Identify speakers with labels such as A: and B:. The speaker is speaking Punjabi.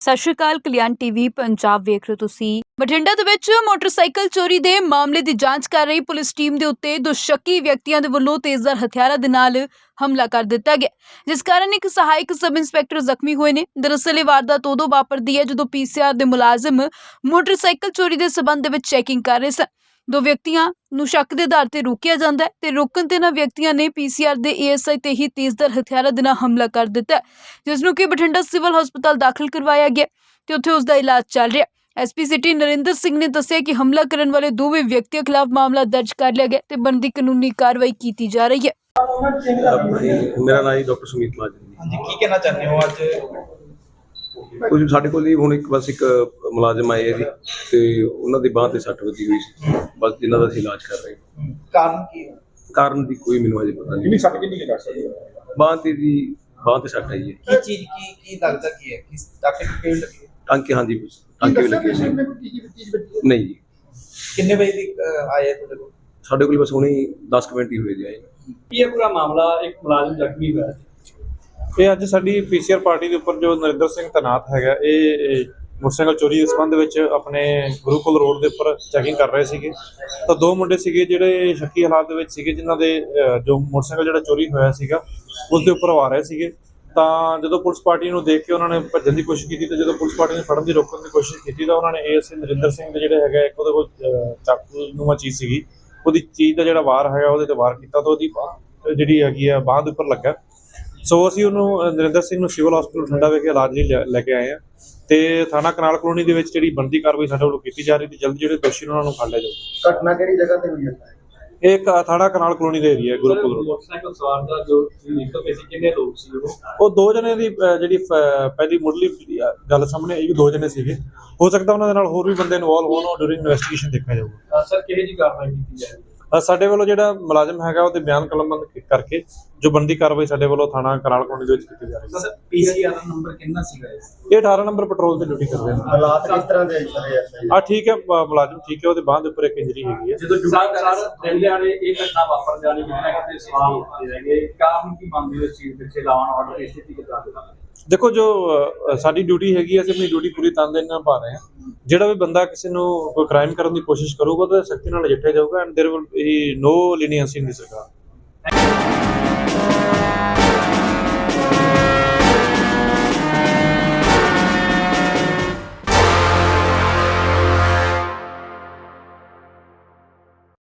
A: ਸਤਿ ਸ਼੍ਰੀ ਅਕਾਲ। ਕਲਿਆਣ ਟੀਵੀ ਪੰਜਾਬ ਵੇਖ ਰਹੇ ਹੋ ਤੁਸੀਂ। ਬਠਿੰਡਾ ਦੇ ਵਿੱਚ ਮੋਟਰਸਾਈਕਲ ਚੋਰੀ ਦੇ ਮਾਮਲੇ ਦੀ ਜਾਂਚ ਕਰ ਰਹੀ ਪੁਲਿਸ ਟੀਮ ਦੇ ਉੱਤੇ ਦੋ ਸ਼ੱਕੀ ਵਿਅਕਤੀਆਂ ਦੇ ਵੱਲੋਂ ਤੇਜ਼ਧਾਰ ਹਥਿਆਰਾਂ ਦੇ ਨਾਲ ਹਮਲਾ ਕਰ ਦਿੱਤਾ ਗਿਆ, ਜਿਸ ਕਾਰਨ ਇੱਕ ਸਹਾਇਕ ਸਬ ਇੰਸਪੈਕਟਰ ਜ਼ਖਮੀ ਹੋਏ ਨੇ। ਦਰਅਸਲ ਇਹ ਵਾਰਦਾਤ ਉਦੋਂ ਵਾਪਰਦੀ ਹੈ ਜਦੋਂ ਪੀਸੀਆਰ ਦੇ ਮੁਲਾਜ਼ਮ ਮੋਟਰਸਾਈਕਲ ਚੋਰੀ ਦੇ ਸਬੰਧ ਦੇ ਵਿੱਚ ਚੈਕਿੰਗ ਕਰ ਰਹੇ ਸਨ। ਦੋ ਵਿਅਕਤੀਆਂ ਨੂੰ ਸ਼ੱਕ ਦੇ ਆਧਾਰ ਤੇ ਰੋਕਿਆ ਜਾਂਦਾ ਹੈ ਤੇ ਰੋਕਣ ਤੇ ਇਹਨਾਂ ਵਿਅਕਤੀਆਂ ਨੇ ਪੀਸੀਆਰ ਦੇ ਏਐਸਆਈ ਤੇ ਹੀ ਤੇਜ਼ਧਾਰ ਹਥਿਆਰਾਂ ਦੇ ਨਾਲ ਹਮਲਾ ਕਰ ਦਿੱਤਾ, ਜਿਸ ਨੂੰ ਕਿ ਬਠਿੰਡਾ ਸਿਵਲ ਹਸਪਤਾਲ ਦਾਖਲ ਕਰਵਾਇਆ ਗਿਆ ਤੇ ਉੱਥੇ ਉਸ ਦਾ ਇਲਾਜ ਚੱਲ ਰਿਹਾ। ਐਸਪੀ ਸਿਟੀ ਨਰਿੰਦਰ ਸਿੰਘ ਨੇ ਦੱਸਿਆ ਕਿ ਹਮਲਾ ਕਰਨ ਵਾਲੇ ਦੋਵੇਂ ਵਿਅਕਤੀਆਂ ਖਿਲਾਫ ਮਾਮਲਾ ਦਰਜ ਕਰ ਲਿਆ ਗਿਆ ਤੇ ਬਣਦੀ ਕਾਨੂੰਨੀ ਕਾਰਵਾਈ ਕੀਤੀ ਜਾ ਰਹੀ ਹੈ।
B: ਮੇਰਾ ਨਾਮ ਡਾਕਟਰ ਸੁਮੀਤ ਮਾਜਰੀ।
C: ਹਾਂਜੀ, ਕੀ ਕਹਿਣਾ ਚਾਹੁੰਦੇ ਹੋ ਅੱਜ?
B: ਕੁਝ ਸਾਡੇ ਕੋਲ ਹੀ ਹੁਣ ਇੱਕ ਮੁਲਾਜ਼ਮ ਆਏ ਹੈ ਜੀ, ਤੇ ਉਹਨਾਂ ਦੀ ਬਾਂਹ ਤੇ ਸੱਟ ਵੱਜੀ ਹੋਈ ਸੀ। ਬਸ ਇਹਨਾਂ ਦਾ ਅਸੀਂ ਇਲਾਜ ਕਰ ਰਹੇ ਹਾਂ।
C: ਕਾਰਨ ਕੀ ਹੈ?
B: ਕਾਰਨ ਦੀ ਕੋਈ ਮੈਨੂੰ ਅਜੇ ਪਤਾ ਨਹੀਂ।
C: ਸੱਟ ਕਿੰਨੀ ਲੱਗ ਸਕਦੀ ਹੈ?
B: ਬਾਂਹ ਤੇ ਸੱਟ ਆਈ ਹੈ।
C: ਕੀ ਚੀਜ਼ ਕੀ ਲੱਗਦਾ ਕੀ ਹੈ? ਕਿਸ ਟਾਕੇ ਦੀ ਪੇੜ ਲੱਗੀ ਹੈ?
B: ਟਾਂਕੇ, ਹਾਂਜੀ ਟਾਂਕੇ ਵੀ ਲੱਗੇ ਸੀ। ਨਹੀਂ ਜੀ,
C: ਕਿੰਨੇ ਵਜੇ ਦੀ ਆਏ ਤੁਹਾਡੇ ਕੋਲ?
B: ਸਾਡੇ ਕੋਲ ਬਸ ਹੁਣੇ 10 ਮਿੰਟ ਹੀ ਹੋਏ ਜੀ ਆਏ।
D: ਇਹ ਪੂਰਾ ਮਾਮਲਾ ਇੱਕ ਮੁਲਾਜ਼ਮ ਜ਼ਖਮੀ ਹੋਇਆ।
E: ਇਹ ਅੱਜ ਸਾਡੀ ਪੀਸੀਆਰ ਪਾਰਟੀ ਦੇ ਉੱਪਰ ਜੋ ਨਰਿੰਦਰ ਸਿੰਘ ਤੈਨਾਤ ਹੈਗਾ, ਇਹ ਮੋਟਰਸਾਈਕਲ ਚੋਰੀ ਦੇ ਸੰਬੰਧ ਵਿੱਚ ਆਪਣੇ ਗੁਰੂਕੁਲ ਰੋਡ ਦੇ ਉੱਪਰ ਚੈਕਿੰਗ ਕਰ ਰਹੇ ਸੀਗੇ। ਤਾਂ ਦੋ ਮੁੰਡੇ ਸੀਗੇ ਜਿਹੜੇ ਸ਼ੱਕੀ ਹਾਲਾਤ ਦੇ ਵਿੱਚ ਸੀਗੇ, ਜਿਨ੍ਹਾਂ ਦੇ ਜੋ ਮੋਟਰਸਾਈਕਲ ਜਿਹੜਾ ਚੋਰੀ ਹੋਇਆ ਸੀਗਾ ਉਸ ਦੇ ਉੱਪਰ ਆ ਰਹੇ ਸੀਗੇ। ਤਾਂ ਜਦੋਂ ਪੁਲਿਸ ਪਾਰਟੀ ਨੂੰ ਦੇਖ ਕੇ ਉਹਨਾਂ ਨੇ ਭੱਜਣ ਦੀ ਕੋਸ਼ਿਸ਼ ਕੀਤੀ, ਤੇ ਜਦੋਂ ਪੁਲਿਸ ਪਾਰਟੀ ਨੇ ਫੜਨ ਦੀ ਰੋਕਣ ਦੀ ਕੋਸ਼ਿਸ਼ ਕੀਤੀ ਤਾਂ ਉਹਨਾਂ ਨੇ ਏਐਸਆਈ ਨਰਿੰਦਰ ਸਿੰਘ ਦੇ ਜਿਹੜੇ ਹੈਗਾ, ਇੱਕ ਉਹਦੇ ਕੋਲ ਚਾਕੂ ਨੂੰਆ ਚੀਜ਼ ਸੀਗੀ, ਉਹਦੀ ਚੀਜ਼ ਦਾ ਜਿਹੜਾ ਵਾਰ ਹੈਗਾ ਉਹਦੇ ਤੇ ਵਾਰ ਕੀਤਾ ਤਾਂ ਉਹਦੀ ਜਿਹੜੀ ਹੈਗੀ ਆ ਬਾਂਹ ਦੇ ਉੱਪਰ ਲੱਗਾ। ਸੋ ਅਸੀਂ ਉਹਨੂੰ ਨਰਿੰਦਰ ਸਿੰਘ ਨੂੰ ਸਿਵਲ ਹਸਪਤਾਲ ਬਠਿੰਡਾ ਵਿਖੇ ਇਲਾਜ ਲਈ ਲੈ ਕੇ ਆਏ ਹਾਂ ਤੇ ਥਾਣਾ ਕਨਾਲ ਕਲੋਨੀ ਦੇ ਵਿੱਚ ਜਿਹੜੀ ਬਣਦੀ ਕਾਰਵਾਈ ਸਾਡੇ ਵੱਲੋਂ ਕੀਤੀ ਜਾ ਰਹੀ ਤੇ ਜਲਦੀ ਜਿਹੜੇ ਦੋਸ਼ੀ ਉਹਨਾਂ ਨੂੰ ਫੜ ਲਿਆ ਜਾਊਗਾ।
C: ਘਟਨਾ ਕਿਹੜੀ ਜਗ੍ਹਾ ਤੇ ਹੋਈ ਹੈ?
E: ਇਹ ਥਾਣਾ ਕਨਾਲ ਕਲੋਨੀ ਦਾ ਏਰੀਆ ਗੁਰੂਕੁਲ ਰੋਡ।
D: ਮੋਟਰਸਾਈਕਲ ਸਵਾਰ ਦਾ ਜੋ ਨਿਕਲ ਪਏ ਸੀ, ਕਿੰਨੇ ਲੋਕ ਸੀ
E: ਉਹ ਦੋ ਜਣੇ ਦੀ ਜਿਹੜੀ ਪਹਿਲੀ ਮੁੱਢਲੀ ਗੱਲ ਸਾਹਮਣੇ ਆਈ, ਦੋ ਜਣੇ ਸੀਗੇ। ਹੋ ਸਕਦਾ ਉਹਨਾਂ ਦੇ ਨਾਲ ਹੋਰ ਵੀ ਬੰਦੇ ਇਨਵੋਲਵ ਹੋਣ, ਉਹ ਡਿਊਰਿੰਗ ਇਨਵੈਸਟੀਗੇਸ਼ਨ ਦੇਖਿਆ ਜਾਊਗਾ।
D: ਸਰ ਕਿਹੋ ਜਿਹੀ ਕਾਰਵਾਈ ਕੀਤੀ ਜਾਏਗੀ?
E: ਸਾਡੇ ਵੱਲੋਂ ਜਿਹੜਾ ਮੁਲਾਜ਼ਮ ਹੈਗਾ ਉਹਦੇ ਬਿਆਨ ਕਲਮਬੰਦ ਕਰਕੇ ਜੋ ਬਣਦੀ ਕਾਰਵਾਈ ਸਾਡੇ ਵੱਲੋਂ ਥਾਣਾ ਕਨਾਲ ਕਲੋਨੀ ਦੇ ਵਿੱਚ ਕੀਤੀ ਜਾ ਰਹੀ ਹੈ।
C: ਸਰ ਪੀਸੀਆਰ ਦਾ ਨੰਬਰ ਕਿੰਨਾ ਸੀਗਾ?
E: ਇਹ 18 ਨੰਬਰ ਪੈਟਰੋਲ ਤੇ ਡਿਊਟੀ ਕਰਦੇ ਨੇ।
C: ਹਾਲਾਤ ਕਿਸ ਤਰ੍ਹਾਂ ਦੇ ਸਰ?
E: ਠੀਕ ਹੈ, ਮੁਲਾਜ਼ਮ ਠੀਕ ਹੈ, ਉਹਦੇ ਬਾਂਹ ਦੇ ਉੱਪਰ ਇੱਕ ਇੰਜਰੀ ਹੈਗੀ ਹੈ।
D: ਜਦੋਂ ਸਰ ਦਿਨਿਆਂ ਨੇ ਇਹ ਘਟਨਾ ਵਾਪਰ ਜਾਣੀ ਕਿਤੇ ਕਿਤੇ ਸਵਾਲ ਉੱਠਦੇ ਹੈਗੇ, ਕਾਰਨ ਕੀ ਮੰਨਦੇ ਹੋ ਇਸ ਚੀਜ਼ ਪਿੱਛੇ ਲਾਉਣ ਆਰਡਰ ਦੀ ਸਥਿਤੀ ਕਿੱਦਾਂ ਦੀ?
E: ਦੇਖੋ, ਜੋ ਸਾਡੀ ਡਿਊਟੀ ਹੈਗੀ ਹੈ, ਅਸੀਂ ਆਪਣੀ ਡਿਊਟੀ ਪੂਰੀ ਤਨਦੇਹੀ ਨਾਲ ਨਿਭਾ ਰਹੇ ਹਾਂ। ਜਿਹੜਾ ਵੀ ਬੰਦਾ ਕਿਸੇ ਨੂੰ ਕੋਈ ਕ੍ਰਾਈਮ ਕਰਨ ਦੀ ਕੋਸ਼ਿਸ਼ ਕਰੂਗਾ ਤਾਂ ਸਖਤੀ ਨਾਲ ਨਜਿੱਠਿਆ ਜਾਊਗਾ and there will be no leniency in the ਸਰਕਾਰ।